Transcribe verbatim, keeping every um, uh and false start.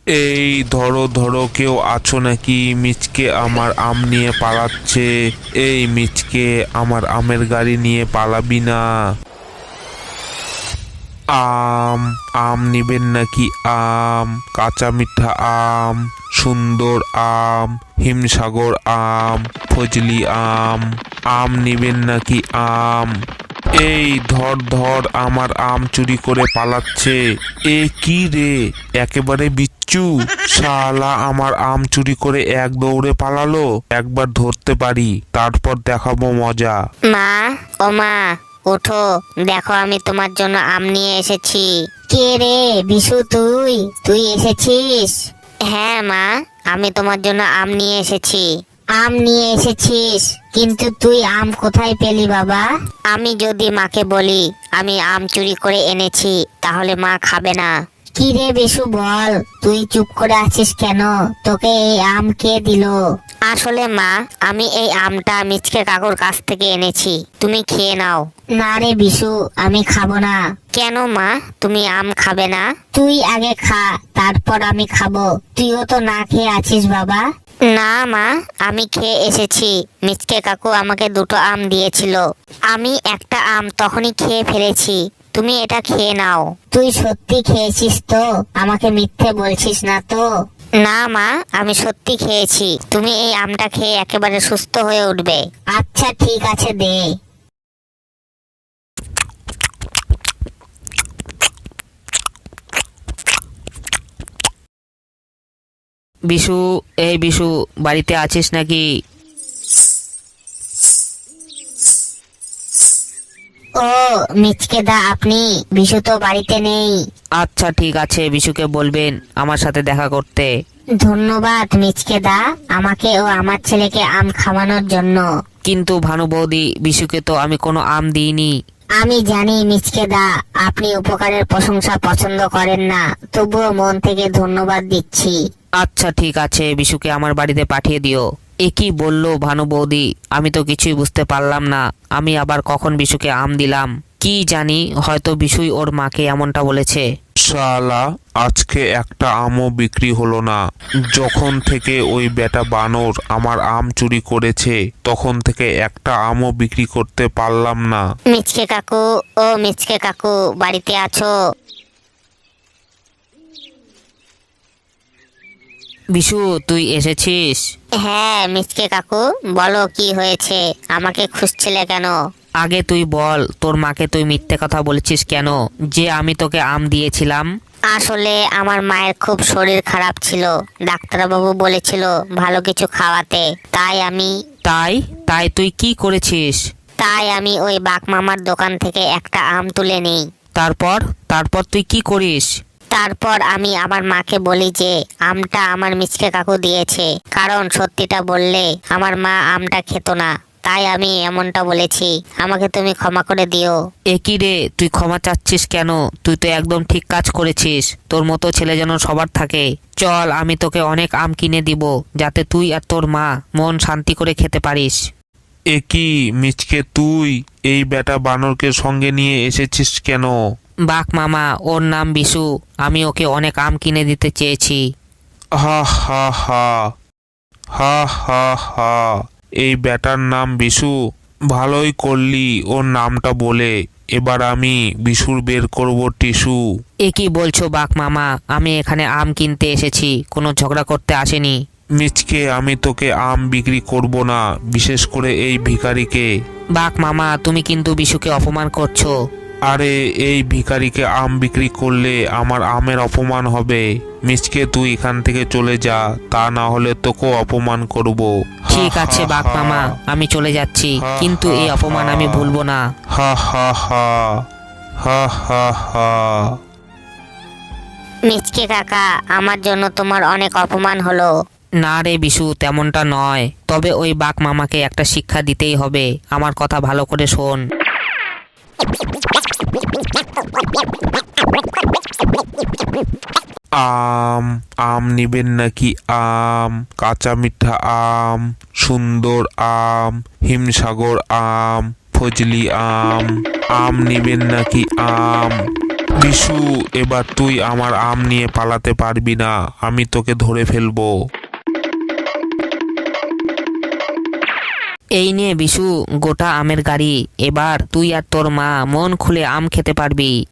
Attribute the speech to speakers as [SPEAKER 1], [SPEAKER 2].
[SPEAKER 1] এই ধরো ধরো, কেউ আছো নাকি? মিচকে আমার আম নিয়ে পালাচ্ছে। এই মিচকে, আমার আমের গাড়ি নিয়ে পালাবি না। আম আম নিবেন নাকি? আম, কাঁচা মিঠা আম, সুন্দর আম, হিমসাগর আম, ফজলি আম। আম নিবেন নাকি? আম। এই ধর ধর, আমার আম চুরি করে পালাচ্ছে। এ কি রে, একেবারে বিচ্ছু শালা, আমার আম চুরি করে এক দৌড়ে পালালো। একবার ধরতে পারি, তারপর দেখাবো মজা।
[SPEAKER 2] মা, ও মা, ওঠো, দেখো আমি তোমার জন্য আম নিয়ে এসেছি। কে রে বিশু, তুই তুই এসেছিস? হ্যাঁ মা, আমি তোমার জন্য আম নিয়ে এসেছি। আম নিয়ে এসেছিস, কিন্তু তুই আম কোথায় পেলি বাবা? আমি যদি মাকে বলি আমি আম চুরি করে এনেছি, তাহলে মা খাবে না। কি রে বিশু, বল, তুই চুপ করে আছিস কেন? তোকে এই আম কে দিল? আসলে মা, আমি এই আমটা মিচকে কাকুর কাছ থেকে এনেছি, তুমি খেয়ে নাও। না রে বিশু, আমি খাবো না। কেন মা, তুমি আম খাবে না? তুই আগে খা, তারপর আমি খাবো। তুইও তো না খেয়ে আছিস বাবা। না মা, আমি খেয়ে এসেছি। মিচকে কাকু আমাকে দুটো আম দিয়েছিল, আমি একটা আম তখনই খেয়ে ফেলেছি। তুমি এটা খেয়ে নাও। তুই সত্যি খেয়েছিস তো? আমাকে মিথ্যে বলছিস না তো? না মা, আমি সত্যি খেয়েছি। তুমি এই আমটা খেয়ে একেবারে সুস্থ হয়ে উঠবে। আচ্ছা ঠিক আছে, দে।
[SPEAKER 3] বিশু, এই বিশু, বাড়িতে আছিস নাকি?
[SPEAKER 2] ও মিচকে দা, আপনি? বিশু তো বাড়িতে নেই।
[SPEAKER 3] আচ্ছা ঠিক আছে, বিশুকে বলবেন আমার সাথে দেখা করতে।
[SPEAKER 2] ধন্যবাদ মিচকে দা, আমাকে ও আমার ছেলেকে আম খাওয়ানোর জন্য।
[SPEAKER 3] কিন্তু ভানু বৌদি, বিশুকে তো আমি কোনো আম দিইনি।
[SPEAKER 2] আমি জানি মিচকে দা, আপনি উপকারের প্রশংসা পছন্দ করেন না, তবুও মন থেকে ধন্যবাদ দিচ্ছি।
[SPEAKER 3] আচ্ছা ঠিক আছে, বিশুকে আমার বাড়িতে পাঠিয়ে দিও। এ কি বললো ভানু বৌদি, আমি তো কিছুই বুঝতে পারলাম না। আমি আবার কখন বিশুকে আম দিলাম? কি জানি, হয়তো বিশুই ওর মাকে এমনটা বলেছে।
[SPEAKER 1] শালা, আজকে একটা আমও বিক্রি হলো না। যখন থেকে ওই বেটা বানর আমার আম চুরি করেছে, তখন থেকে একটা আমও বিক্রি করতে পারলাম না।
[SPEAKER 2] মিচকে কাকু, ও মিচকে কাকু, বাড়িতে আছো?
[SPEAKER 3] বিশু, তুই এসেছিস?
[SPEAKER 2] হ্যাঁ মিচকে কাকু, বলো কি হয়েছে, আমাকে খুঁজছিলে কেন?
[SPEAKER 3] আগে তুই বল, তোর মাকে তুই মিথ্যে কথা বলেছিস কেন যে আমি তোকে আম দিয়েছিলাম?
[SPEAKER 2] আসলে আমার মায়ের খুব শরীর খারাপ ছিল, ডাক্তারবাবু বলেছিল ভালো কিছু খাওয়াতে, তাই আমি
[SPEAKER 3] তাই তাই তুই কি করেছিস?
[SPEAKER 2] তাই আমি ওই বাঘ মামার দোকান থেকে একটা আম তুলে নিই।
[SPEAKER 3] তারপর তারপর তুই কি করিস?
[SPEAKER 2] তারপর আমি আমার মাকে বলি যে আমটা আমার মিচকে কাকু দিয়েছে, কারণ সত্যিটা বললে আমার মা আমটা খেত না, তাই আমি এমনটা বলেছি। আমাকে তুমি ক্ষমা করে দিও।
[SPEAKER 3] এ কি রে, তুই ক্ষমা চাচ্ছিস কেন? তুই তো একদম ঠিক কাজ করেছিস। তোর মতো ছেলে যেন সবার থাকে। চল, আমি তোকে অনেক আম কিনে দিব, যাতে তুই আর তোর মা মন শান্তি করে খেতে পারিস।
[SPEAKER 1] এ কি মিচকে, তুই এই বেটা বানরকে সঙ্গে নিয়ে এসেছিস কেন?
[SPEAKER 3] বাঘ মামা, ওর নাম বিশু, আমি ওকে অনেক আম কিনে দিতে চেয়েছি।
[SPEAKER 1] হা হা হা, হা হা হা, এই বেটার নাম বিশু? ভালোই করলি ওর নামটা বলে। এবার আমি বিশুর বের করব টিস্যু।
[SPEAKER 3] এ কি বলছো বাঘ মামা, আমি এখানে আম কিনতে এসেছি, কোনো ঝগড়া করতে আসেনি।
[SPEAKER 1] মিচকে, আমি তোকে আম বিক্রি করব না, বিশেষ করে এই ভিখারিকে।
[SPEAKER 3] বাঘ মামা, তুমি কিন্তু বিশুকে অপমান করছো।
[SPEAKER 1] আরে, এই ভিখারিকে আম বিক্রি করলে আমার আমের অপমান হবে। মিচকে, তুই এখান থেকে চলে যা, তা না হলে তোকেও অপমান করব।
[SPEAKER 3] ঠিক আছে বাঘ মামা, আমি চলে যাচ্ছি, কিন্তু এই অপমান আমি ভুলবো না।
[SPEAKER 1] হা হা হা, হা হা হা।
[SPEAKER 2] মিচকে কাকা, আমার জন্য তোমার অনেক অপমান হলো।
[SPEAKER 3] না রে বিশু, তেমনটা নয়, তবে ওই বাঘ মামাকে একটা শিক্ষা দিতেই হবে। আমার কথা ভালো করে শোন।
[SPEAKER 1] আম আম নিবেন নাকি? আম, কাঁচা মিঠা আম, সুন্দর আম, হিমসাগর আম, ফজলি আম। আম নিবেন নাকি? আম। বিশু, এবার তুই আমার আম নিয়ে পালাতে পারবি না, আমি তোকে ধরে ফেলবো।
[SPEAKER 3] এই নে বিশু, গোটা আমের গাড়ি। এবার তুই আর তোর মা মন খুলে আম খেতে পারবি।